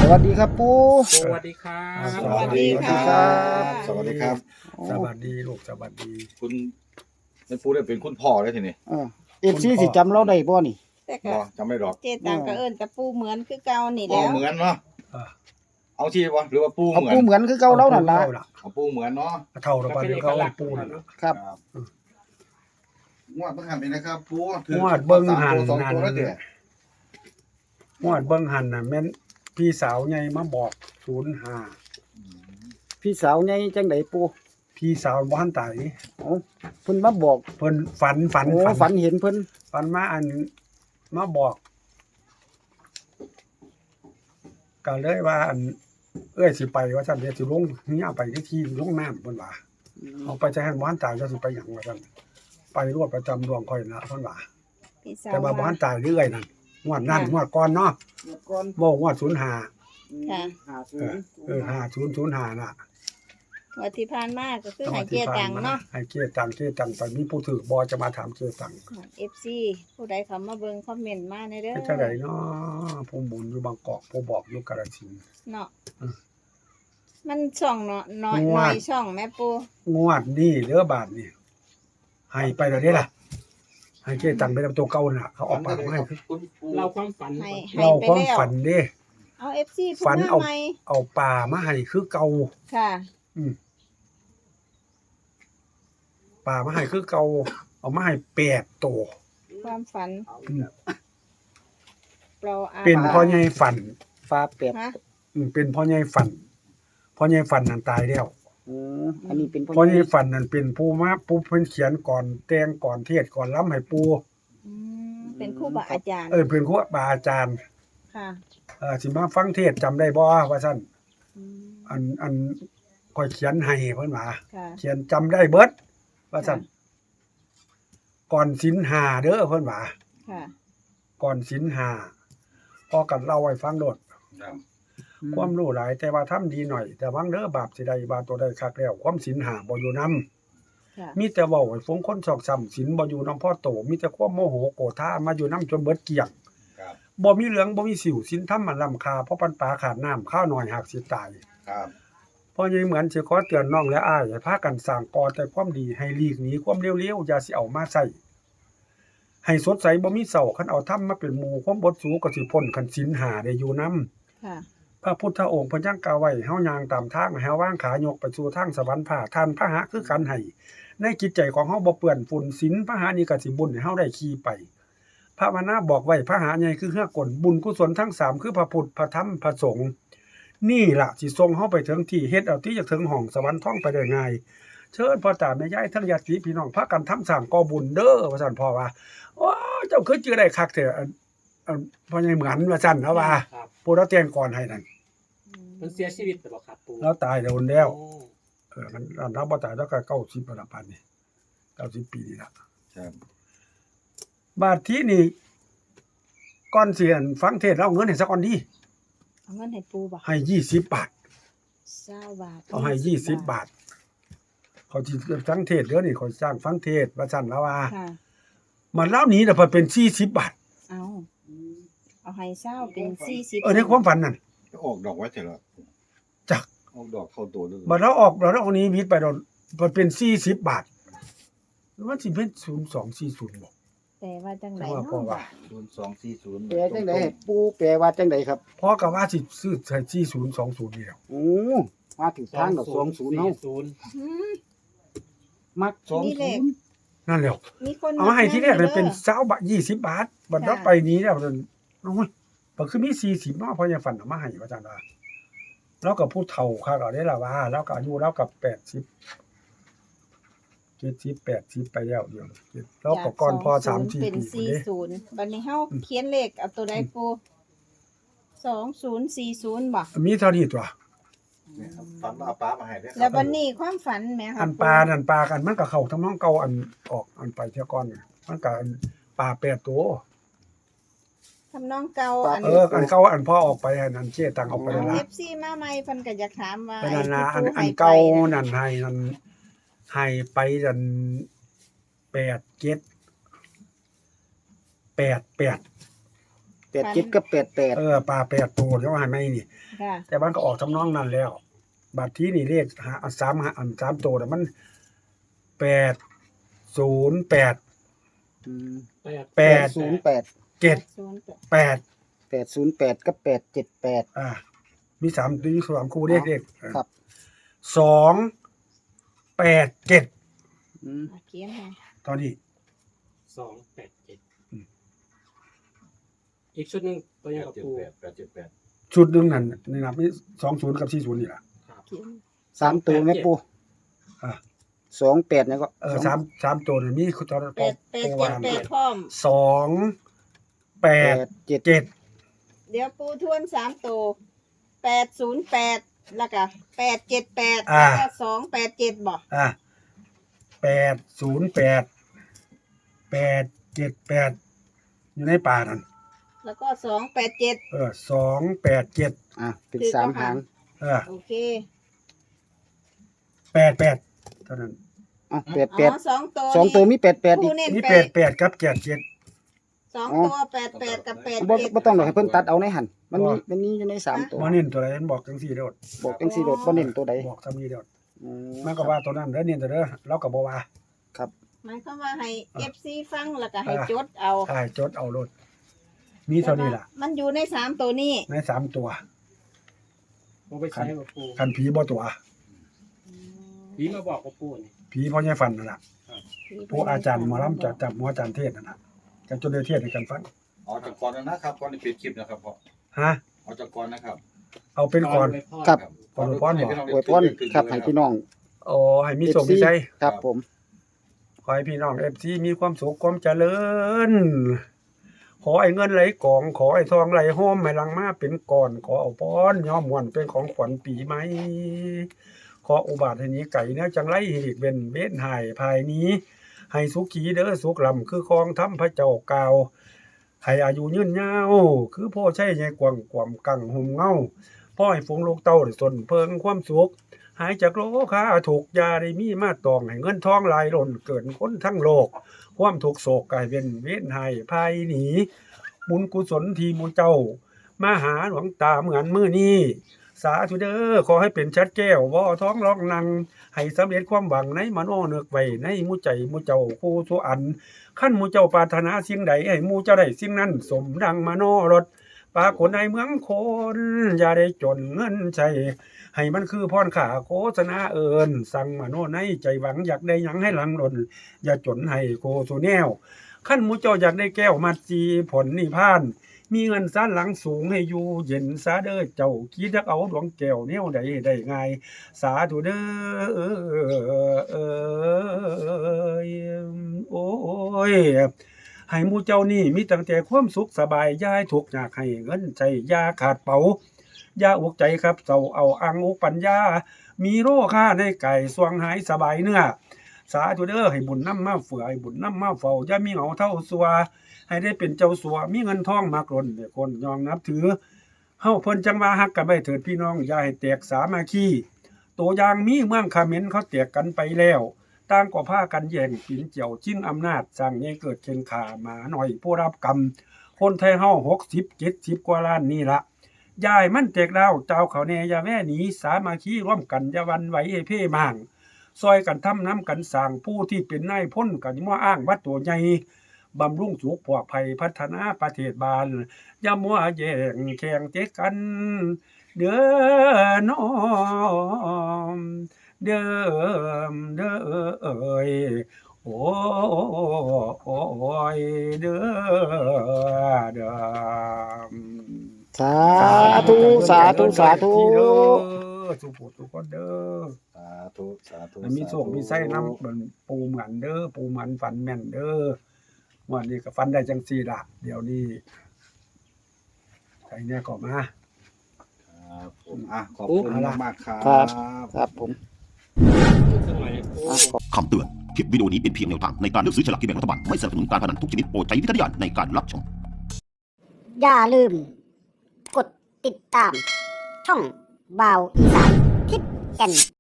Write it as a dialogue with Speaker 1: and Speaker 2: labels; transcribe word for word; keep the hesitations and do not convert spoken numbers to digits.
Speaker 1: วัสดีครับปู่
Speaker 2: สวัสดีครับ
Speaker 3: สวัสดีครับสวัสดีครับ
Speaker 2: สวัสดีลูกสวัสดี
Speaker 3: คุณแม่ปูได้เป็นคุณพ่อได้ทีนี้
Speaker 1: เออเอฟซีสิจำเราได้บ่นี่
Speaker 4: แต่ก็
Speaker 3: บ่จำไม่หรอก
Speaker 4: เจตังก็เอิ้นกับปูเหมือนคือเก่านี่
Speaker 3: พ่อ
Speaker 4: แล้ว
Speaker 3: เหมือนเนาะ
Speaker 2: เออ
Speaker 3: เอาที่วะหรือว่าปู
Speaker 1: เอา
Speaker 3: เหมือน
Speaker 1: ปู่เหมือนคือเก่าเรานั่นล่ะ
Speaker 3: เอาปูเหมือนเนาะ
Speaker 2: เท่าเราไปเดี๋ยวเขาเอาปูนน
Speaker 1: ครับ
Speaker 3: งวดเบิ่งหันนี่นะครับปู
Speaker 2: งวดเบิ่งหัน
Speaker 3: สอง
Speaker 2: นั่น
Speaker 3: ตัวแล้วเด้อง
Speaker 2: วดเบิ่งหันน่ะแม่นพี่สาวใหญ่มาบอกศูนย์ห้า
Speaker 1: พี่สาวใหญ่จังไดปู่
Speaker 2: พี่สาวบ่ทันตาย
Speaker 1: เอ้าเพิ่นมาบอก
Speaker 2: เพิ่นฝันฝัน
Speaker 1: โอ้ฝันเห็นเพิ่น
Speaker 2: ฝันมาอันมาบอกก็เลยว่าอันเอ้ยสิไปว่าซั่นเดี๋ยวสิลงเฮียไปที่ที่ลงน้ำเพิ่นว่าเอาไปจะให้บ่ทันตายจะสิไปหยังว่าซั่นไปรวดประจำดวงค่อยนะเพิ่นว่า
Speaker 4: พี่สาว
Speaker 2: แต่ว่าบ่ทันตายเรื่อยนั่นงวดนั้นงวดก่อนเนาะ
Speaker 1: ก่อน
Speaker 2: บ่งวดศูนย์ห้า
Speaker 4: ค่ะ
Speaker 1: ห้าศู
Speaker 2: เอน อ
Speaker 1: ย์
Speaker 2: เออห้าศูนย์ศูนย์ห้าน่ะ
Speaker 4: วันที่ผ่านมาก็คือให้เจตังเนาะ
Speaker 2: ให้เกียรติตังเกียรติตังไปมีผู้ถือบ่จะมาถามเกียรติตัง
Speaker 4: เอฟซีผู้ใดเข้ามาเบิ่งคอมเมนต์มาในเด้อ
Speaker 2: เป็นจังไดเนาะผู้บุญอยู่บางกอกผู้บอกอยู่กาฬสินธุ์
Speaker 4: เนาะ
Speaker 2: เออ
Speaker 4: มันช่องเนาะน้อย
Speaker 2: งวด
Speaker 4: น้อยช่องแม่ปู
Speaker 2: งวดนี้เด้อบาทนี่ให้ไปแล้วเด้ล่ะให้เกียรติตังไปนำตัวเก่าน่ะเขาเออกปากมาให้คือ
Speaker 3: คุณปู
Speaker 5: เราความฝัน
Speaker 4: ให้ให้
Speaker 2: เรา
Speaker 4: ไป
Speaker 2: ความ
Speaker 4: แล้ว
Speaker 2: ฝันเด้
Speaker 4: เอา เอฟ ซี
Speaker 2: ฝั
Speaker 4: ฝั
Speaker 2: น
Speaker 4: น
Speaker 2: เอา
Speaker 4: เอาใหม่
Speaker 2: เอาป่ามาให้คือเก่า
Speaker 4: ค่ะ
Speaker 2: อืมป่ามาให้คือเก่าเอามาให้แปดตัว
Speaker 4: ความฝัน
Speaker 2: อืม
Speaker 4: เราอา
Speaker 2: เป็นพ่อใหญ่ฝัน
Speaker 1: ฟ้าแปด
Speaker 4: ฮะ
Speaker 2: อืมเป็นพ่อใหญ่ฝันพ่อใหญ่ฝันนั่นตายแล้ว
Speaker 1: อืออันนี้เป็น
Speaker 2: พ่อใหญ่ฝันนั่นเป็นผู้มาผู้เพิ่นเขียนก่อนแต่งก่อนเทศก่อนล้ำให้ปู่
Speaker 4: อืมเป็นครูบาอาจารย์
Speaker 2: เออเป็นครูบาอาจารย์
Speaker 4: ค่ะ
Speaker 2: เออสิมาฟังเทศน์จำได้บ่ว่าซั่น
Speaker 4: อืม
Speaker 2: อันอันค่อยเขียนให้เพิ่นว่า
Speaker 4: ค่ะ
Speaker 2: เขียนจำได้เบิดว่าซั่นก่อนศีลห้าเด้อเพิ่นว่า
Speaker 4: ค่ะ
Speaker 2: ก่อนศีลห้าพอกันเล่าให้ฟังโดด
Speaker 3: ครับ
Speaker 2: ความรู้หลายแต่ว่าทำดีหน่อย แต่วังเด้อบาปสิได้บาปตัวได้คักแล้วความศีลห้าบ่อยู่นำ
Speaker 4: ค่ะ
Speaker 2: มีแต่เว้าให้ฟงคนชอกช้ำศีลบ่อยู่นำพ่อโตมีแต่ความโมโหโกรธามาอยู่นำจนเบิดเกลี้ยง
Speaker 3: ครับ
Speaker 2: บ่มีเหลืองบ่มีสิวศีลธรรมมันล้ำค่าเพราะปันปลาขาดน้ำข้าวน้อยหากสิตาย
Speaker 3: ครับ
Speaker 2: เพราะยังเหมือนสิขอเตือนน้องและอ้ายให้พากันสร้างก่อแต่ความดีให้หลีกหนีความเลวๆอย่าสิเอามาใช้ให้สดใสบ่มีเศร้าคันเอาธรรมมาเป็นหมู่ความบดสูก็สิพ้นคันศีลห้าได้อยู่นำ
Speaker 4: ค่ะ
Speaker 2: พระพุทธองค์เพิ่นยังกล่าวไว้เฮาย่างตามทางให้เฮาวางขายกไปสู่ทางสวรรค์พาท่านพระหะคือกันให้ในจิตใจของเฮาบ่เปื้อนฝุ่นศีลพระหะนี่ก็สิบุญให้เฮาได้ขี่ไปพระวนาบอกไว้พระหะใหญ่คือเฮือกลบุญกุศลทั้งสามคือพระพุทธพระธรรมพระสงฆ์นี่ล่ะสิส่งเฮาไปถึงที่เฮ็ดเอาที่จะถึงห้องสวรรค์ท่องไปได้ง่ายเชิญพ่อตาแม่ยายทั้งญาติพี่น้องพากันทำสร้างก่อบุญเด้อว่าซั่นพ่อว่าโอ้เจ้าคือจื่อได้คักแท้อันอันพ่อใหญ่เหมือนว่าซั่นเฮาว่า
Speaker 5: ครับ
Speaker 2: ผู้เราแต่งก่อนให้นั่น
Speaker 5: มันเสียชีวิตแต่บอกครับปู
Speaker 2: แล้วตายโดนแล้ว
Speaker 5: โอ้
Speaker 2: เออมันอันเราบ่ตายแล้วก็เก้าสิบประมาณนี้เก้าสิบปีนี่ล่ะ
Speaker 3: ครับ
Speaker 2: บาดที่นี่ก่อนเสียนฟังเทศน์เอาเงินให้สักก่อนดี
Speaker 4: เอาเงินให้ปูบ่
Speaker 2: ให้ยี่สิบบาท
Speaker 4: เก้าบาท
Speaker 2: เอาให้ยี่สิบบาท เขาสิฟังเทศน์เด้อนี่เขาสร้างฟังเทศน์ว่าซั่นแล้วว่า
Speaker 4: ค่ะ
Speaker 2: มันแล้วหนี้น่ะเพิ่นเป็นสี่สิบบาท
Speaker 4: เอาเอาให้เศร้าเป็นสี่สิบ
Speaker 2: เออในความฝันนั่น
Speaker 3: จะออกดอกไว้เถอะเหรอ
Speaker 2: จัก
Speaker 3: ออกดอกเข้าตัวเลย
Speaker 2: บัดเราออกเราเอานี้วิทย์ไปโดนเพิ่นเป็นสี่สิบบาทมันสิเป็นศูนย์สองสี่ศูนย์บ่
Speaker 4: แต่ว่าจังไหน
Speaker 2: แต่ว่า
Speaker 4: เนาะ
Speaker 2: พ่อว่า
Speaker 3: ศูนย์สองสี่ศูนย์
Speaker 1: แปลจังไดให้ปู่แปลว่าจังไดครับ
Speaker 2: พอก็ว่าสิซื้อใช้สี่ศูนย์สองศูนย์นี่แหล้ว
Speaker 1: โอ้มาถึงทางดอกสองศูนย์เฮา
Speaker 5: ศูนย์
Speaker 4: อืม
Speaker 1: มักสอง
Speaker 4: นี่เล
Speaker 1: ศู
Speaker 4: ข
Speaker 1: นย์
Speaker 2: นั่นแหละ
Speaker 4: มีคน
Speaker 2: เอามาให้ที่แรกเลยเป็น
Speaker 4: ด้อ
Speaker 2: เช้าบาทยี่สิบบาทบัดเรา
Speaker 4: ค่ะ
Speaker 2: ไปนี้แล้วมันโอ้ยบ่คือมีสี่สิบเนาะเพราะยังฝันเอามาให้ว่าจังว่าเราก็ผู้เฒ่าคักเอาได้ล่ะว่าเราก็อายุเราก็แปดสิบ เจ็ดสิบ แปดสิบไปแล้วเดี๋ยวเราก็ก่อนพอสามสี่
Speaker 4: เป็น
Speaker 2: ปีพุ่น
Speaker 4: สี่
Speaker 2: เด้
Speaker 4: ศูนย์บัดนี้เฮาเขียนเลขเอาตัวใดปูสองศูนย์สี่ศูนย์บ่
Speaker 2: มีเท่านี้ตัว
Speaker 3: เนี่ยครับฝันว่าเอาปลามาให้ด้วย
Speaker 4: แล้วบัดนี้ความฝันแหมค่ะ
Speaker 2: อันปลานั่นปลากันมันก็เข้าทำนองเก่าอันออกอันไปเที่ยก่อนน่ะมันก็อันปลาแปดตัว
Speaker 4: ทำนองเก่าอัน
Speaker 2: เอออันเก่าอันพ่อออกไปอันนั้นเจ๊ตังออกไปแล้ว
Speaker 4: เอ
Speaker 2: ล่ะ
Speaker 4: ฟซีมาใหม่เพิ่นก็อยากถามว่า
Speaker 2: ไปนั่นนะอัน
Speaker 4: ไที่
Speaker 2: อัน
Speaker 4: ให้
Speaker 2: เก่า
Speaker 4: ไปน่ะ
Speaker 2: นั่นให้นั่นให้ไปนั่นแปดเจ็ดแปดแปด
Speaker 1: แปดเจ็ดกับแปดแปด
Speaker 2: เออปลาแปดตัวเดี๋ยวให้ไม่นี่
Speaker 4: ค่ะ
Speaker 2: แต่มันก็ออกทำนองนั้นแล้ว บัดที่นี่เลขหาสามหาอันสามตัวน่ะมันแปดศูนย์แปด
Speaker 1: อืม
Speaker 2: แปด
Speaker 1: ศูนย์แปด
Speaker 2: เจ็ด
Speaker 4: ศูนย์
Speaker 2: แปด
Speaker 1: แปดศูนย์แปดกับแปดเจ็ดแปด
Speaker 2: อ่า มีสามตัวมีสามคู่เลขเลข
Speaker 1: ครับ
Speaker 2: สองแปดเจ็ด
Speaker 1: อืม
Speaker 4: อ่ะเขียนให้
Speaker 2: ตอนนี้
Speaker 5: สองแปดเจ็ด
Speaker 2: อืม
Speaker 5: อีกชุดหนึ่งตัว
Speaker 3: แป
Speaker 5: ยัง
Speaker 3: ด
Speaker 5: กับ
Speaker 3: เจ็ด
Speaker 5: ปู
Speaker 3: แปดแปดเจ็ดแปด
Speaker 2: ชุดหนึ่งนั่นนี่นะมีสองศูนย์กับสี่ศูนย์นี่แหละ
Speaker 5: ครับ
Speaker 4: เขียน
Speaker 1: สามตัวแม่ปู
Speaker 2: อ่า
Speaker 1: สองแปดเนี่ยก็
Speaker 2: เออสามสามตัวนี่มีตอน
Speaker 4: แปดแปดเจ็ดแปดพร้อม
Speaker 2: สองแป
Speaker 1: แป
Speaker 2: ด
Speaker 1: ดเจ็ด
Speaker 2: เจ็ด
Speaker 4: เดี๋ยวปูทวนสามตัวแปดศูนย์แปดแล้วก็แปดเจ็ดแปด
Speaker 2: อ่า
Speaker 4: แล้วก็สองแปดเจ็ดบ่
Speaker 2: อ่ะแปดศูนย์แปดแปดเจ็ดแปดอยู่ในป่านั่น
Speaker 4: แล้วก็สองแปดเจ็ด
Speaker 2: เออสองแปดเจ็ด
Speaker 1: อ่ะเป็นสามหาง
Speaker 2: เออ
Speaker 4: โอเค
Speaker 2: แปดแปดเท่านั้น
Speaker 1: อ๋อแปด
Speaker 4: อ๋
Speaker 1: แปด
Speaker 4: อสองตัว
Speaker 1: สองตัวมีแปดแปดอี
Speaker 4: ผู้
Speaker 1: ก
Speaker 4: เน้น
Speaker 2: นี่
Speaker 4: แป
Speaker 2: แป
Speaker 4: ด
Speaker 2: ดแปดครับเจ็ดเจ็ด
Speaker 4: สอง
Speaker 1: อ๋อ
Speaker 4: ตัวแปดแปดกับแปด
Speaker 1: บ่
Speaker 4: เจ็ด
Speaker 1: บ่ต้องหรอกให้เพิ่นตัดเอาในหันมันมีมันมีอยู่ในสามตัว
Speaker 2: มาเน้นตัวไหนบอกจังสี่เด้อ
Speaker 1: บอกจังซี่โดดบ่เน้นตัวใด
Speaker 2: บอกทำนี้เด้อ
Speaker 1: อืม
Speaker 2: มันก็ว่าตัวนั้นเด้อเน้นตัวเด้อเราก็บ่ว่า
Speaker 4: หมายความว่าให้ เอฟ ซี ฟังแล้วก็ให้
Speaker 2: อ่า
Speaker 4: จดเอา
Speaker 2: ใช่จดเอารถมีเท่านี้ล่ะ
Speaker 4: มันอยู่ในสามตัวนี้
Speaker 2: ในสามตัว
Speaker 5: ปูไปใช้กับปู
Speaker 2: คันผีบ่ตัว
Speaker 5: ผีมาบอกกับปูนี่
Speaker 2: ผีพ่อใหญ่ฟันนั่นล่ะผู้อาจารย์หมอลำจัดจับหมออาจารย์เทศนั่นน่ะจะจนได้เทศให้กันฟัง
Speaker 3: เอาจากก่อนนะครับก่อนที่ปิดคลิปนะครับพ่อ
Speaker 2: ฮะ
Speaker 3: เอาจากก่อนนะครับ
Speaker 2: เอาเป็นก่อน
Speaker 1: ครับ
Speaker 2: ก่อนอวยพรบ่
Speaker 1: อวยพรครับให้พี่น้อง
Speaker 2: โอ้ให้มีโชคมีชัย
Speaker 1: ครับผม
Speaker 2: ขอให้พี่น้อง เอฟ ซี มีความสุขความเจริญ ขอให้เงินไหลกอง ขอให้ทองไหลหอมให้หลังมาเป็นก่อน ขอเอาพรย้อมม่วนเป็นของขวัญปีใหม่ ขออุบาทให้หนี้ไก่เนื้อจังไรให้อีกเป็นเบ็ดหายภายนี้ ให้สุขีเด้อสุขลำคือคองทำพระเจ้ากล่าว ให้อายุยืนยาว คือพ่อใช้ใหญ่กว่างกว่ำกังหุ่มเงาพ่อให้ฝูงลูกเต้าได้สนเพิงความสุข หายจากโลคาถูกยาได้มีมาตองให้เงินทองไหลายล้นเกินคนทั้งโลก ความทุกข์โศกกลายเป็นเวทหายภายหนีบุญกุศลที่หมูเจ้า มาหาหลวงตาเหมือนมื้อนี้ สาธุเด้อขอให้เป็นชัดแก้วบ่ท้องร้องนัง ให้สำเร็จความหวังในมโนนึกไว้ในหมู่ใจหมู่เจ้าผู้ทุอันขั้นหมู่เจ้าปรารถนาสิ่งใดให้หมู่เจ้าได้สิ่งนั้นสมดังมโนรสปรากฏในเมืองคนอย่าได้จนเงินใช้ให้มันคือพรข่าโฆษณาเอิญสั่งมโนในใจหวังอยากได้หยังให้หลังหล่นอย่าจนให้โกสุแนวขั้นหมู่เจ้าอยากได้แก้วมัดจีผลนิพพาน มีเงินซานหลังสูงให้อยู่เย็นซาเด้อเจ้าคิดจักเอาดวงแก้วแนวใดได้ง่ายสาธุเด้อเอยโอ้ยให้หมู่เจ้านี่มีตั้งแต่ความสุขสบายอย่าให้ทุกข์ยากให้เงินใจอย่าขาดเป๋าอย่าอกใจครับเจ้าเอาอังอุปัญญา มีโรค่าในไก่สวงหายสบายเนื้อสาธุเด้อให้บุญนำมาเฟื่อให้บุญนำมาเฝ้าอย่ามีเหงาเท่าสัวให้ได้เป็นเจ้าสัวมีเงินทองมากล้นให้คนยองนับถือเฮาเพิ่นจังว่าฮักกันไว้เถิดพี่น้องอย่าให้แตกสามัคคีตัวอย่างมีเมืองเขมรเขาแตกกันไปแล้วต่างก็พากันแย่งปินเจียวชิงอำนาจสร้างให้เกิดเข็นขาหมาหน่อยผู้รับกรรมคนไทยเฮาหกสิบ เจ็ดสิบกว่าล้านนี่ละยายมันแตกดาวเจ้าเขาแน่อย่าแว่หนีสามัคคีร่วมกันอย่าหวันไหวให้เพ่มางซอยกันทำน้ำกันสร้างผู้ที่เป็นนายพ้นกันมาอ้างว่าตัวใหญ่บำรุงสุขปลอดภัยพัฒนาประเทศบาลอย่ามัวแย่งแข่งเจ๊กันเด้อน้อมเด้อเด้อเอ้ยโอ้ยเด้อเด้อ
Speaker 1: สาธุสาธุสาธุ
Speaker 2: สุขทุกคนเด้อ
Speaker 3: สาธุสาธุ
Speaker 2: ให้มีโชคมีไส้น้ำเหมือนปูเหมือนเด้อปูหมันฝันแม่นเด้อวันนี้ก็ฝันได้จังซี่ล่ะเดี๋ยวนี้ใครเนี่ยก็มา
Speaker 3: ครับผมอ่ะขอบคุณมากๆครับ
Speaker 1: ครับ ครับผม
Speaker 5: สักหน่อยนะปู
Speaker 1: อ่ะขอบ
Speaker 6: คำเตือน คลิปวิดีโอนี้เป็นเพียงแนวทางในการเลือกซื้อฉลากกินแบ่งรัฐบาล ไม่สนับสนุนการพนันทุกชนิดโปรดใช้วิจารณญาณในการรับชม
Speaker 7: อย่าลืม กดติดตาม ช่องบาวอีสานทิศแก่น